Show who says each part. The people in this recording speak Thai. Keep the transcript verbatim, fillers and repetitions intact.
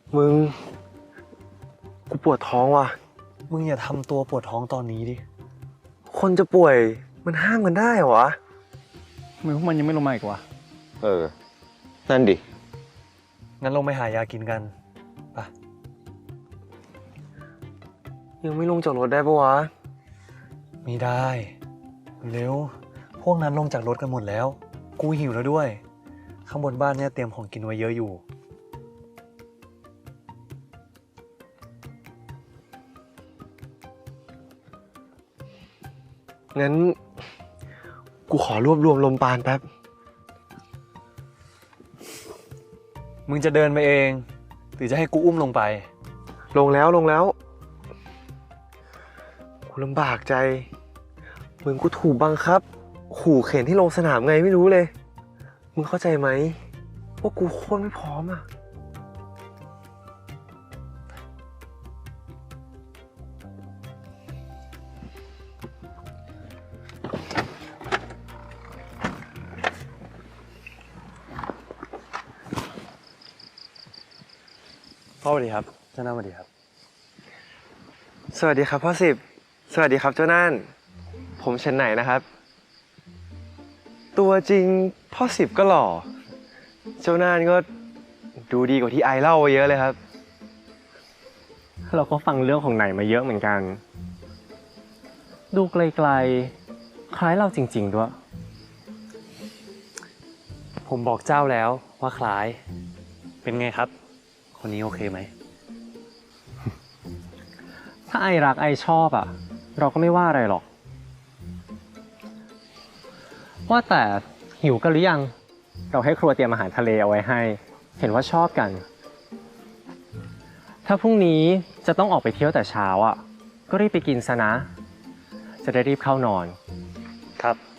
Speaker 1: มึงกูปวดท้องว่ะ
Speaker 2: มึงอย่าทำตัวปวดท้องตอนนี้ดิ
Speaker 1: คนจะป่วยมันห้ามกันได้เหรอวะ
Speaker 3: ทำไมพวกมันยังไม่ลงมาอีกวะ
Speaker 1: เออนั่นดิ
Speaker 2: งั้นลงไปหายากินกันไป
Speaker 1: ยังไม่ลงจากรถได้ปะวะ
Speaker 2: ไม่ได้เร็วพวกนั้นลงจากรถกันหมดแล้วกูหิวแล้วด้วยข้างบนบ้านเนี่ยเตรียมของกินไว้เยอะอยู่
Speaker 1: งั้นกูขอรวบรวมลมปราณแป๊บ
Speaker 2: มึงจะเดินไปเองหรือจะให้กูอุ้มลงไป
Speaker 1: ลงแล้วลงแล้วกูลำบากใจเหมือนกูถูกบังคับขู่เข็นที่ลงสนามไงไม่รู้เลยมึงเข้าใจไหมว่ากูโคตรไม่พร้อมอ่ะ
Speaker 2: พ่อสวัสดีครับเจ้าหน้าสวัสดีครับ
Speaker 1: สวัสดีครับพ่อสิบสวัสดีครับเจ้าน่านผมเชนไหนนะครับตัวจริงพ่อสิบก็หล่อเจ้าน่านก็ดูดีกว่าที่ไอเล่าไว้เยอะเลยครับ
Speaker 3: เราก็ฟังเรื่องของไหนมาเยอะเหมือนกันดูไกลๆคล้ายเราจริงๆด้วย
Speaker 2: ผมบอกเจ้าแล้วว่าคล้ายเป็นไงครับคนนี้โอเคไหม
Speaker 3: ถ้าไอรักไอชอบอ่ะเราก็ไม่ว่าอะไรหรอกว่าแต่หิวกันหรือยังเราให้ครัวเตรียมอาหารทะเลเอาไว้ให้เห็นว่าชอบกันถ้าพรุ่งนี้จะต้องออกไปเที่ยวแต่เช้าอ่ะก็รีบไปกินซะนะจะได้รีบเข้านอน
Speaker 2: ครับ